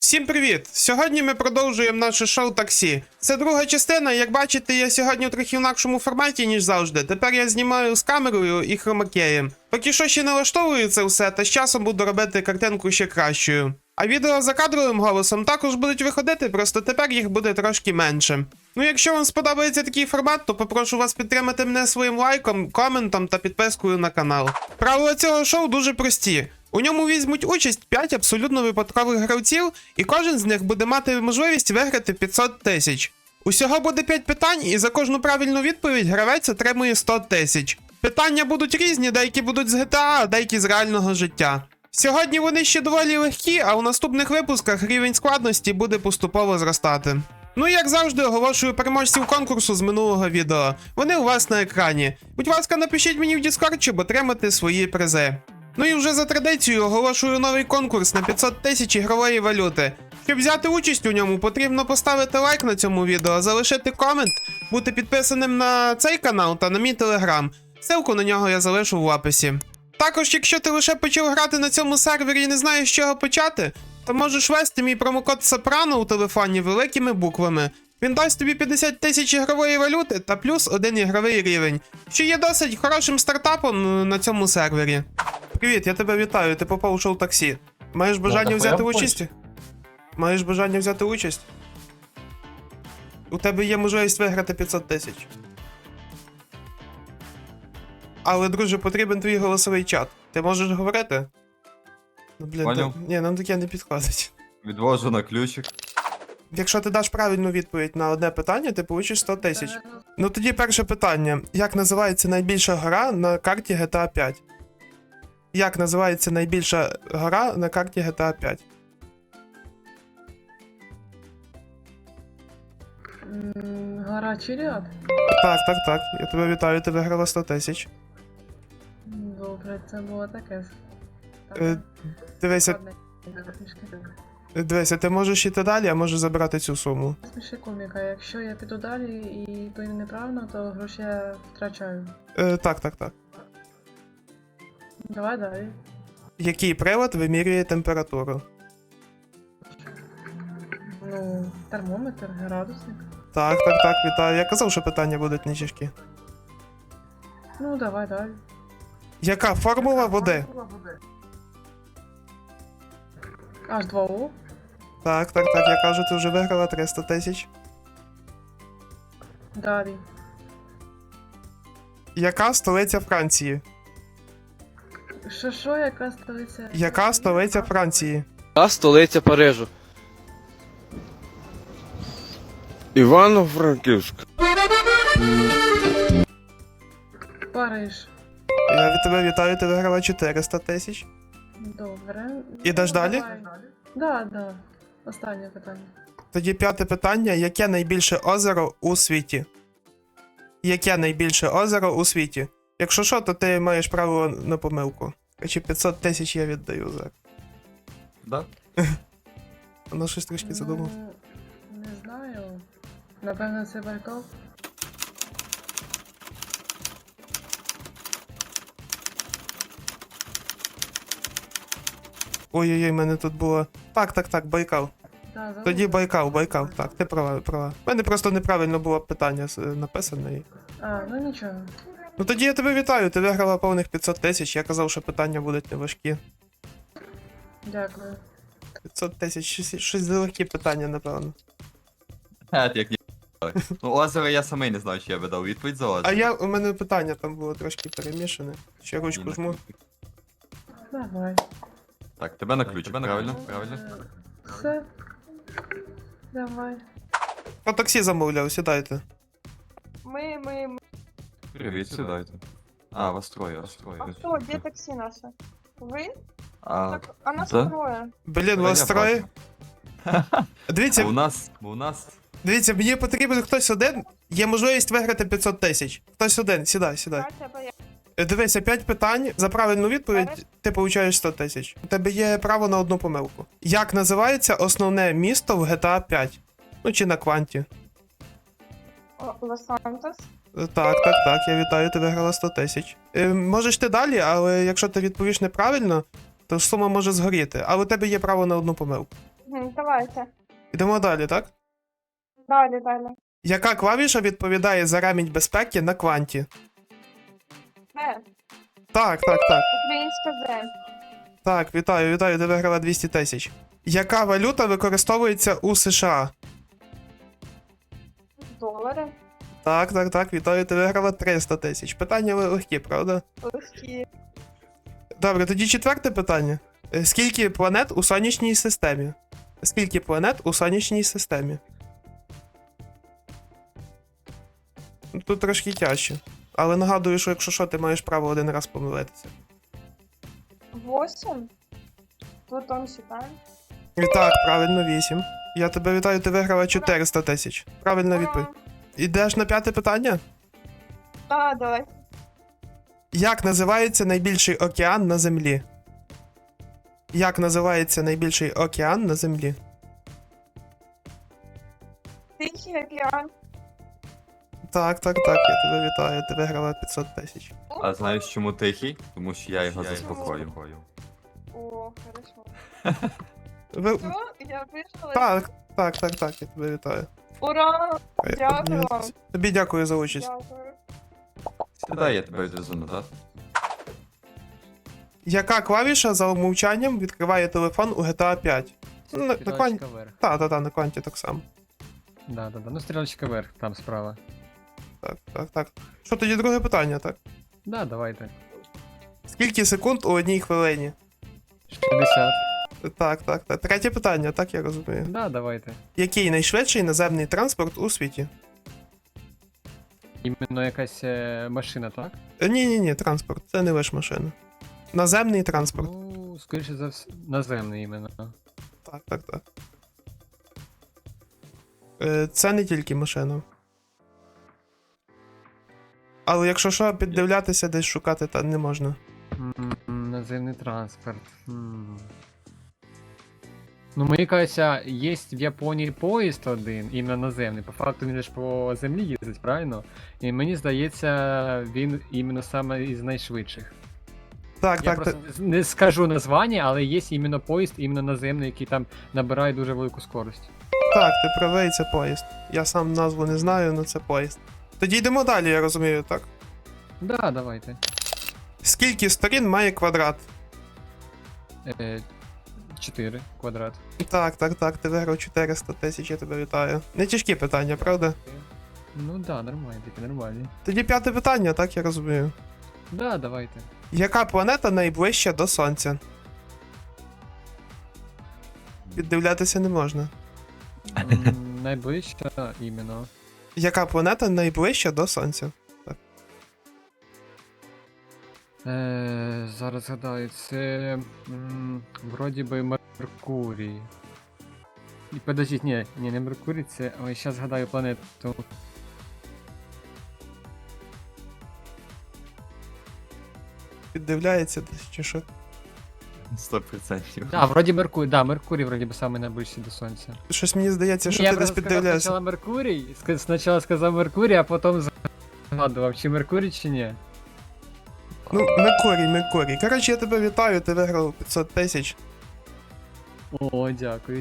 Всім привіт! Сьогодні ми продовжуємо наше шоу таксі. Це друга частина, як бачите, я сьогодні у трохи інакшому форматі, ніж завжди. Тепер я знімаю з камерою і хромакеєм. Поки що ще налаштовую це все, та з часом буду робити картинку ще кращою. А відео за кадровим голосом також будуть виходити, просто тепер їх буде трошки менше. Ну якщо вам сподобається такий формат, то попрошу вас підтримати мене своїм лайком, коментом та підпискою на канал. Правила цього шоу дуже прості. У ньому візьмуть участь 5 абсолютно випадкових гравців, і кожен з них буде мати можливість виграти 500 тисяч. Усього буде 5 питань, і за кожну правильну відповідь гравець отримує 100 тисяч. Питання будуть різні, деякі будуть з GTA, а деякі з реального життя. Сьогодні вони ще доволі легкі, а у наступних випусках рівень складності буде поступово зростати. Ну і як завжди, оголошую переможців конкурсу з минулого відео. Вони у вас на екрані. Будь ласка, напишіть мені в Discord, щоб отримати свої призи. Ну і вже за традицією оголошую новий конкурс на 500 тисяч ігрової валюти. Щоб взяти участь у ньому, потрібно поставити лайк на цьому відео, залишити комент, бути підписаним на цей канал та на мій телеграм. Ссылку на нього я залишу в описі. Також, якщо ти лише почав грати на цьому сервері і не знаєш, з чого почати, то можеш ввести мій промокод Сопрано у телефоні великими буквами. Він дасть тобі 50 тисяч ігрової валюти та плюс 1 ігровий рівень, що є досить хорошим стартапом на цьому сервері. Привіт, я тебе вітаю, ти попав у шоу таксі. Маєш бажання взяти участь? Маєш бажання взяти участь? У тебе є можливість виграти 500 тисяч. Але, друже, потрібен твій голосовий чат. Ти можеш говорити? Ну, блін, ні, нам таке не підходить. Відвожу на ключик. Якщо ти даш правильну відповідь на одне питання, ти получиш 100 тисяч. Ну тоді перше питання. Як називається найбільша гора на карті GTA 5? Як називається найбільша гора на карті GTA 5? Гора Чиліад? Так. Я тебе вітаю, ти виграла 100 тисяч. Добре, це було таке. Дивися, ти можеш йти далі, а можеш забрати цю суму. Сміши коміка, якщо я піду далі і то неправильно, то гроші я втрачаю. Так. Давай далі. Який прилад вимірює температуру? Ну, термометр, градусник. Так, вітаю. Я казав, що питання будуть не тяжкі. Ну, давай далі. Яка формула води? H2O. Так, я кажу, ти вже виграла 300 тисяч. Далі. Яка столиця Франції? Що, яка столиця? Яка столиця Франції? Яка столиця Парижу? Івано-Франківськ. Париж. Я від тебе вітаю, ти виграла 400 тисяч. Добре. Ідеш далі? Да. Останнє питання. Тоді п'яте питання. Яке найбільше озеро у світі? Яке найбільше озеро у світі? Якщо що, то ти маєш право на помилку. Чи 500 тисяч я віддаю за. Да? Воно щось трішки задумав. Не знаю. Напевно, це Байкал. Ой-ой-ой, мене тут було. Так, Байкал. Да, Тоді Байкал, так, ти права. У мене просто неправильно було питання написане. ну нічого. Ну тоді я тебе вітаю, ти виграла повних 500 тисяч, я казав, що питання будуть неважкі. Дякую. 500 тисяч, щось залегкі питання, напевно. Як ні. Ну, озеро я самий не знаю, чи я би дав відповідь за озеро. У мене питання там було трошки перемішане. Ще ручку жму. Давай. Так, тебе на ключик, правильно? Все. Давай. По таксі замовляв, сідайте. Мы. Привіт, сідайте. А, вас троє. А что, где такси наше? Вы? А, Так, а нас да? трое. Блін, вас я троє. у нас... Дивіться, мені потрібен хтось один, є можливість виграти 500 тисяч. Хтось один, сідай. Катя, поехали. Дивися, 5 питань, за правильну відповідь ти получаєш 100 тисяч. У тебе є право на одну помилку. Як називається основне місто в GTA 5? Ну чи на Кванті? Лос-Сантос. Так, я вітаю, ти виграла 100 тисяч. Можеш ти далі, але якщо ти відповіш неправильно, то сума може згоріти. Але у тебе є право на одну помилку. Давайте. Йдемо далі, так? Далі. Яка клавіша відповідає за ремінь безпеки на кванті? Це. Так. Українська земля. Так, вітаю, ти виграла 200 тисяч. Яка валюта використовується у США? Долари. Так, вітаю, ти виграла 300 тисяч. Питання легкі, правда? Легкі. Добре, тоді четверте питання. Скільки планет у сонячній системі? Скільки планет у сонячній системі? Ну, тут трошки тяжче. Але нагадую, що якщо що, ти маєш право один раз помилитися. 8. Плутон считаем. І так, правильно, 8. Я тебе вітаю, ти виграла 400 тисяч. Правильна відповідь. Ідеш на п'яте питання? Давай. Як називається найбільший океан на Землі? Як називається найбільший океан на Землі? Тихий океан. Так, я тебе вітаю, ти виграла 500 тисяч. А знаєш чому тихий? Тому що я його заспокою. О, хорошо. Ви... Все, я вийшла. Так, я тебе вітаю. Ура! Дякую вам. Тобі дякую за участь. Дякую. Сідай, я тебе відвезу назад. Яка клавіша за умовчанням відкриває телефон у GTA 5? На кванті. Стрілочка вверх. На кванті так само. Да. Ну, стрілочка вверх, там справа. Так. Що тоді друге питання, так? Да, давайте. Скільки секунд у одній хвилині? 60. Так. Третє питання, так я розумію. Да, давайте. Який найшвидший наземний транспорт у світі? Іменно якась машина, так? Ні, транспорт. Це не лише машина. Наземний транспорт. Ну, скоріше за все, наземний іменно. Так. Це не тільки машина. Але якщо що, піддивлятися, десь шукати та не можна. Наземний транспорт. Ну, мені кажеться, є в Японії поїзд один, іменно наземний. По факту він ж по землі їздить, правильно? І мені здається, він іменно саме із найшвидших. Я Так. просто не скажу названня, але є іменно поїзд, іменно наземний, який там набирає дуже велику скорость. Так, ти правий, це поїзд. Я сам назву не знаю, але це поїзд. Тоді йдемо далі, я розумію, так? Да, давайте. Скільки сторін має квадрат? 4 квадрат. Так, ти виграв 400 тисяч, я тебе вітаю. Не тяжкі питання, правда? Ну да, нормально, таке нормальні. Тоді п'яте питання, так я розумію. Да, давайте. Яка планета найближча до Сонця? Піддивлятися не можна. Найближча іменно. Яка планета найближча до Сонця? Зараз згадаю, це вроді би Меркурій. І подождіть, ні, не Меркурій, це. Ой, зараз згадаю планету. Піддивляється десь чи що? 100%. Да, вроді Меркурій, да, Меркурій вроді би саме найближчий до Сонця. Щось мені здається, що Я ти десь просто сказав піддивляєшся. спочатку Меркурій, спочатку сказав Меркурій, а потім згадував, чи Меркурій, чи ні. Ну, Меркурій. Коротше, я тебе вітаю, ти виграв 500 тисяч. О, дякую.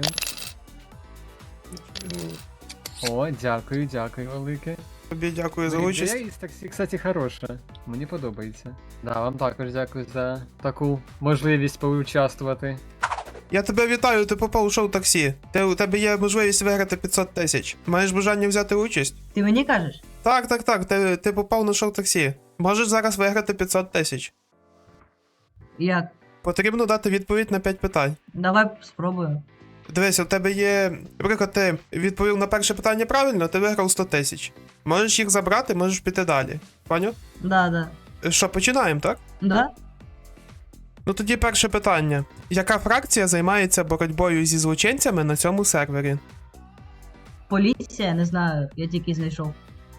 О, дякую велике. Тобі дякую за Блін, участь. ідея із таксі, кстати, хороша. Мені подобається. Да, вам також дякую за таку можливість поучаствувати. Я тебе вітаю, ти попав у шоу таксі. У тебе є можливість виграти 500 тисяч. Маєш бажання взяти участь? Ти мені кажеш? Так, ти попав на шоу таксі. Можеш зараз виграти 500 тисяч. Як? Потрібно дати відповідь на 5 питань. Давай спробуємо. Дивись, у тебе є. Наприклад, ти відповів на перше питання правильно, ти виграв 100 тисяч. Можеш їх забрати, можеш піти далі. Поняв? Да. Що, починаємо, так? Да? Ну тоді перше питання. Яка фракція займається боротьбою зі злочинцями на цьому сервері? Поліція, не знаю, я тільки знайшов.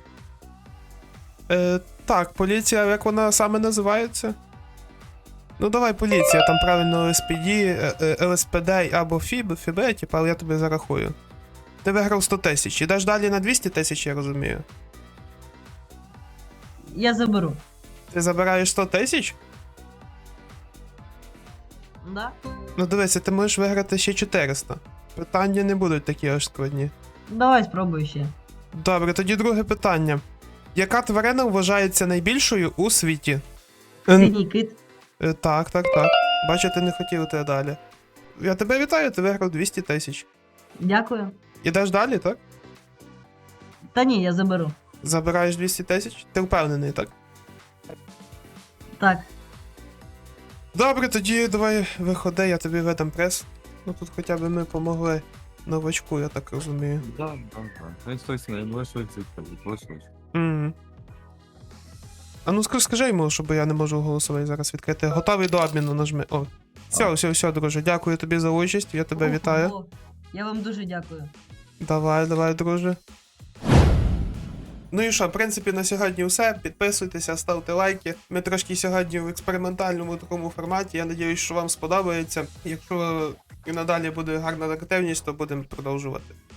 Так, поліція, як вона саме називається? Ну давай поліція, там правильно ЛСПД, ЛСПД або ФІБ, типу, але я тобі зарахую. Ти виграв 100 тисяч. Ідеш далі на 200 тисяч, я розумію. Я заберу. Ти забираєш 100 тисяч? Да? Ну дивися, ти можеш виграти ще 400. Питання не будуть такі аж складні. Давай спробуй ще. Добре, тоді друге питання. Яка тварина вважається найбільшою у світі? Синій кит. Так. Бачу, ти не хотів те далі. Я тебе вітаю, ти виграв 200 тисяч. Дякую. Ідеш далі, так? Та ні, я заберу. Забираєш 200 тисяч? Ти впевнений, так? Так. Добре, тоді давай виходи, я тобі видам прес. Ну тут хоча б ми помогли новачку, я так розумію. Да. Ну, стой, лише Мгм. А ну скажи йому, щоб я не можу голосовий зараз відкрити. Готовий до обміну, нажми. О. Все, друже, дякую тобі за участь, я тебе вітаю. Ого. Я вам дуже дякую. Давай, друже. Ну і що, в принципі, на сьогодні все. Підписуйтеся, ставте лайки. Ми трошки сьогодні в експериментальному такому форматі. Я сподіваюся, що вам сподобається. Якщо і надалі буде гарна активність, то будемо продовжувати.